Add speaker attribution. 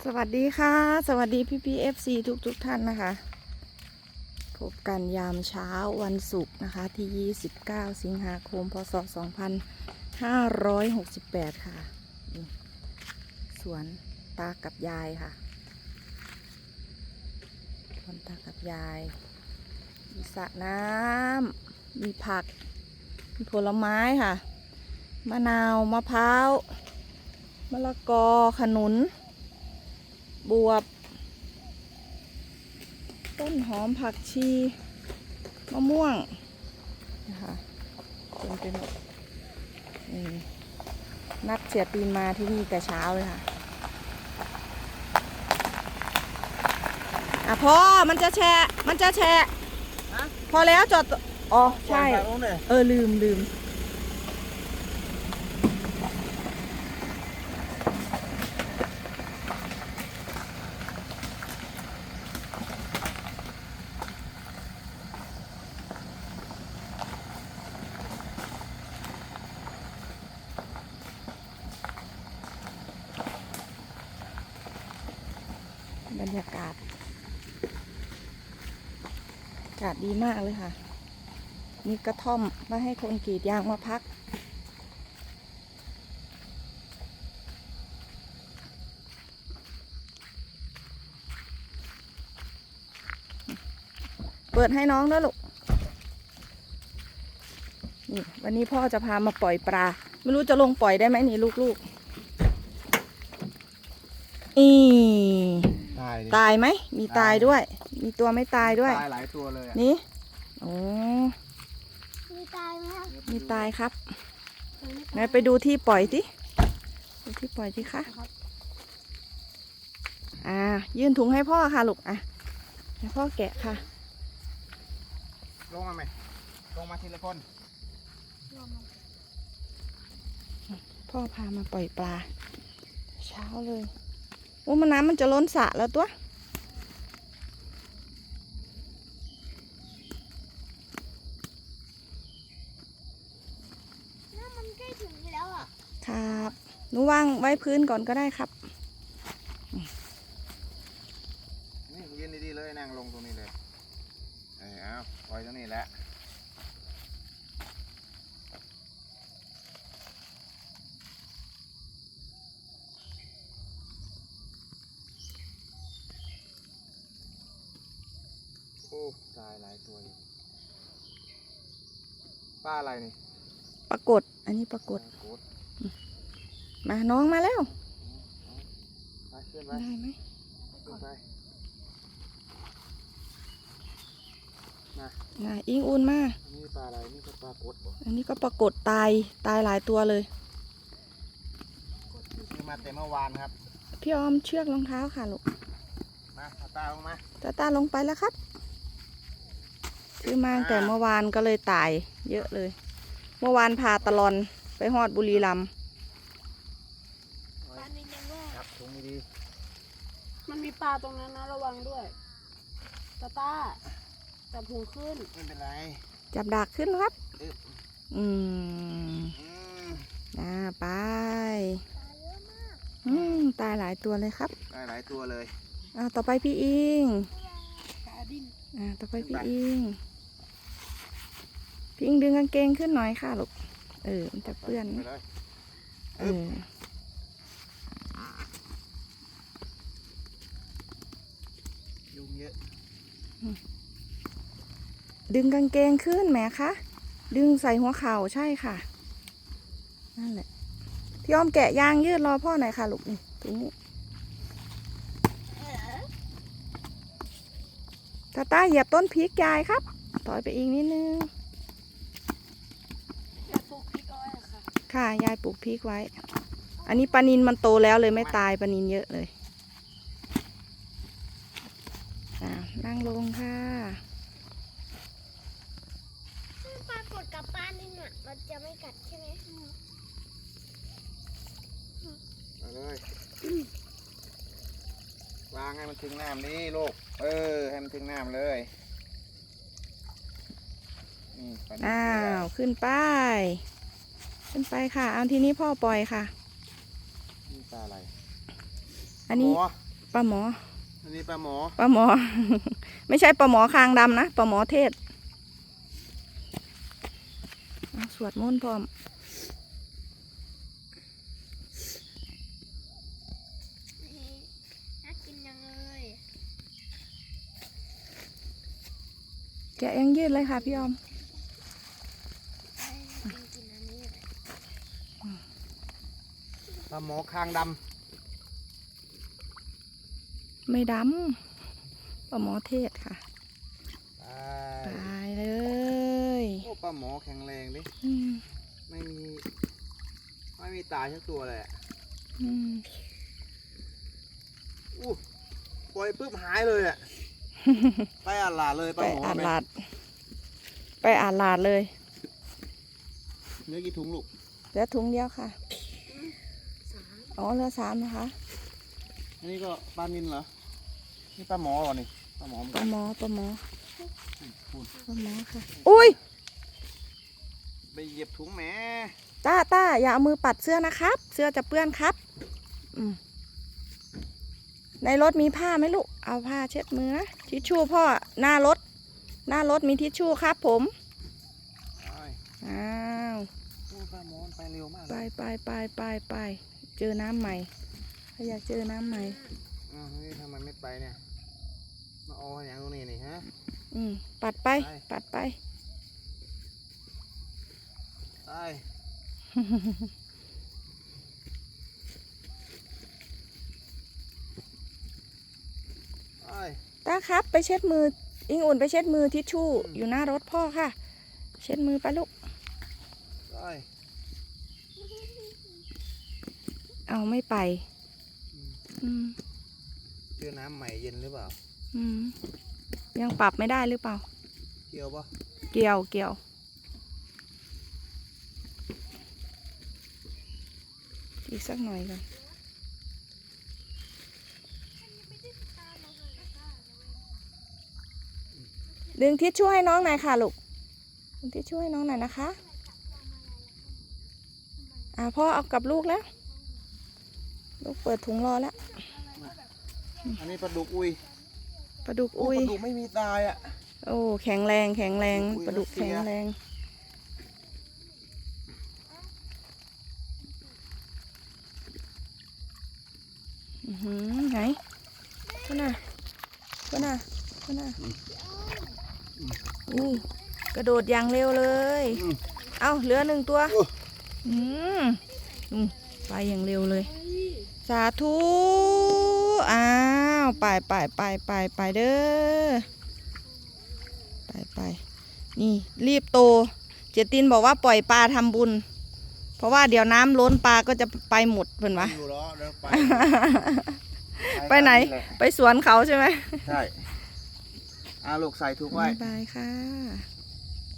Speaker 1: สวัสดีค่ะสวัสดีพี่FC ทุกท่านนะคะพบกันยามเช้าวันศุกร์นะคะที่29สิงหาคมพศ2568ค่ะสวนตากับยายค่ะสวนตากับยายมีสระน้ำมีผักมีผลไม้ค่ะมะนาวมะพร้าวมะละกอขนุนบวบต้นหอมผักชีมะม่วงนะคะเป็นนัดเสียปีนมาที่นี่แต่เช้าเลยค่ะพอมันจะแฉะพอแล้วจอดอ๋อใช่ลืมบรรยากาศดีมากเลยค่ะมีกระท่อมมาให้คนกรีดยางมาพักเปิดให้น้องด้วยลูกนี่วันนี้พ่อจะพามาปล่อยปลาไม่รู้จะลงปล่อยได้ไหมนี่ลูกตายไหมมีตายด้วยมีตัวไม่ตายด้วย
Speaker 2: ตายหลายตัวเลย
Speaker 1: นี่โอ้
Speaker 3: มีตายไหมครับ
Speaker 1: มีตายครับไหนไปดูที่ปล่อยดิดูที่ปล่อยดิคะยื่นถุงให้พ่อค่ะลูกให้พ่อแกะค่ะ
Speaker 2: ลงมาไหมลงมาทีละคน
Speaker 1: พ่อพามาปล่อยปลาเช้าเลยโอ้มันน้ำมันจะล้นสระแล้วตัว
Speaker 3: น้ำมันใกล้ถึงแล้วอ่ะ
Speaker 1: ครับหนูวางไว้พื้นก่อนก็ได้ครับ
Speaker 2: นี่ยืนดีๆเลยนั่งลงตรงนี้เลยเอาปล่อยตรงนี้แหละโอ้ตายหลายตัวอยู่ปลาอะไรนี่
Speaker 1: ปรากฏอันนี้ปรากฏมาน้องมาแล้ว
Speaker 2: ไปขึ้นไป
Speaker 1: ได้ไหม
Speaker 2: ขึ้นไป
Speaker 1: อิงอุ่นมา
Speaker 2: นี่ปลาอะไรนี่ก็ปลากด
Speaker 1: อันนี้ก็ปรากฏตายหลายตัวเลย
Speaker 2: คือมาเต็มเมื่อวานครับ
Speaker 1: พี่ออมเชือกรองเท้าค่ะลูก
Speaker 2: มาตาลงมา
Speaker 1: ตาลงไปแล้วครับซื้อมาแต่เมื่อวานก็เลยตายเยอะเลยเมื่อวานพาตลอนไปฮอดบุรีรัมย์
Speaker 2: ครับถุงดี
Speaker 3: มันมีปลาตรงนั้นนะระวังด้วยตาจับถุงขึ้น
Speaker 2: ไม่เป็นไร
Speaker 1: จับดักขึ้นครับไปตายหลายตัวเลยครับ
Speaker 2: ตายหลายตัวเลย
Speaker 1: ต่อไปพี่อิงต่อไปพี่อิงดึงกางเกงขึ้นหน่อยค่ะลูกมันจะเปื้อน
Speaker 2: ยุงเยอะ
Speaker 1: ดึงกางเกงขึ้นแหมคะดึงใส่หัวเข่าใช่ค่ะนั่นแหละพี่อ้อมแกะยางยืดรอพ่อหน่อยค่ะลูกนี่ตรงนี้ตาเหยียบต้นพริกยายครับถอยไปอีกนิดนึงค่ะยายปลูกพริกไว้อันนี้ปลานิลมันโตแล้วเลยไม่ตายปลานิลเยอะเลยนั่งลงค่ะ
Speaker 3: ปลากดกับปลานิลน่ะมันจะไม่กัดใช่ไหม
Speaker 2: เอาเลยวางให้มันถึงน้ำนี่ลูกให้มันถึงน้ำเลย
Speaker 1: ขึ้นไปค่ะเอาทีนี้พ่อปล่อยค่ะ
Speaker 2: นี่ปลาอะไร
Speaker 1: อันนี้ปลาหมอ
Speaker 2: อันนี้ปลาหมอ
Speaker 1: ปลาหมอ ไม่ใช่ปลาหมอคางดำนะปลาหมอเทศเอาสวดมนต์พร้อม
Speaker 3: น่ากินยังเลย
Speaker 1: แกะยังยืดเลยค่ะพี่ออม
Speaker 2: ปลาหมอคางด
Speaker 1: ไม่ดำปลาหมอเทศค่ะ
Speaker 2: ำ
Speaker 1: ตายเลย
Speaker 2: โอ้ปลาหมอแข็งแรงดิ
Speaker 1: อืม
Speaker 2: ไม่มีตายสักตัวเลยอะ
Speaker 1: อืม
Speaker 2: อู้ปล่อยปุ๊บหายเลยอ่ะ ไปอาหลาดเลยป
Speaker 1: ไป
Speaker 2: ลาหมอ
Speaker 1: อาด
Speaker 2: ไหม
Speaker 1: ลาดไปอาดลาดเลย
Speaker 2: เนื้อกี่ถุงลูก
Speaker 1: เหลือถุงเดียวค่ะอ๋อเหลือ3นะคะ
Speaker 2: อันนี้ก็ปลานิลเหรอ นี่ปลาหมอเหรอนี่ปลาหมอเหมือน
Speaker 1: ป
Speaker 2: กั
Speaker 1: ลาน หมอปลาหมอ
Speaker 2: พูด
Speaker 1: ปลาหมอค่ะอุ้ย
Speaker 2: ไปเหยียบถุงแหม
Speaker 1: ต้าอย่าเอามือปัดเสื้อนะครับ เสื้อจะเปื้อนครับอืมในรถมีผ้าไหมลูกเอาผ้าเช็ดมือนะทิชชู่พ่อหน้ารถมีทิชชู่ครับผม
Speaker 2: ไป
Speaker 1: อ้าว
Speaker 2: โอ้ปลาหมอมันไปเร็วมาก
Speaker 1: ไป
Speaker 2: เลย
Speaker 1: ไปเจอน้ำใหม่ถ้าอยากเจอน้ำใหม่
Speaker 2: อ้าวนี่ทำไมไม่ไปเนี่ย มาเอาอย่างตรงนี้นี่ฮะ
Speaker 1: ปัดไป
Speaker 2: ไป
Speaker 1: ปัดไป
Speaker 2: ไปไป
Speaker 1: ต้าครับไปเช็ดมืออิงอุ่นไปเช็ดมือทิชชู่อยู่หน้ารถพ่อค่ะ เช็ดมือไปลูก
Speaker 2: ไป
Speaker 1: เอาไม่ไป อืม
Speaker 2: เจอน้ำใหม่เย็นหรือเปล่า
Speaker 1: อืมยังปรับไม่ได้หรือเปล่า
Speaker 2: เกี่ยวปะ
Speaker 1: เกี่ยวอีกสักหน่อยก่อนดึงทิชชู่ให้น้องหน่อยค่ะลูกดึงทิชชู่ให้น้องหน่อยนะคะพ่อเอากับลูกแล้วลูกเปิดถุงรอแล้ว
Speaker 2: อันนี้ปลาดุกอุย
Speaker 1: ปลาดุก
Speaker 2: โอ้
Speaker 1: อุ้ย
Speaker 2: ปลาดุกไม่มีตายอ่ะ
Speaker 1: โอ้แข็งแรงป
Speaker 2: อุ้ย
Speaker 1: ลาดุก
Speaker 2: รัสเซี
Speaker 1: แข็
Speaker 2: ย
Speaker 1: งแรงไหนก็น่ะอู้กระโดดอย่างเร็วเลย เอ้าเหลือ1 ตัวไปอย่างเร็วเลย สาธุอ้าวไปเด้อไปนี่รีบโตเจตินบอกว่าปล่อยปลาทำบุญ เพราะว่าเดี๋ยวน้ำล้นปลาก็จะไปหมดเพิ่นวะ
Speaker 2: อยู่แล้วเดี๋ยวไป
Speaker 1: ไปไหน
Speaker 2: แหละ
Speaker 1: ไปสวนเขาใช่ไหม
Speaker 2: ใช่ลูกใส่ถุงไว้
Speaker 1: บายค่ะ
Speaker 2: อ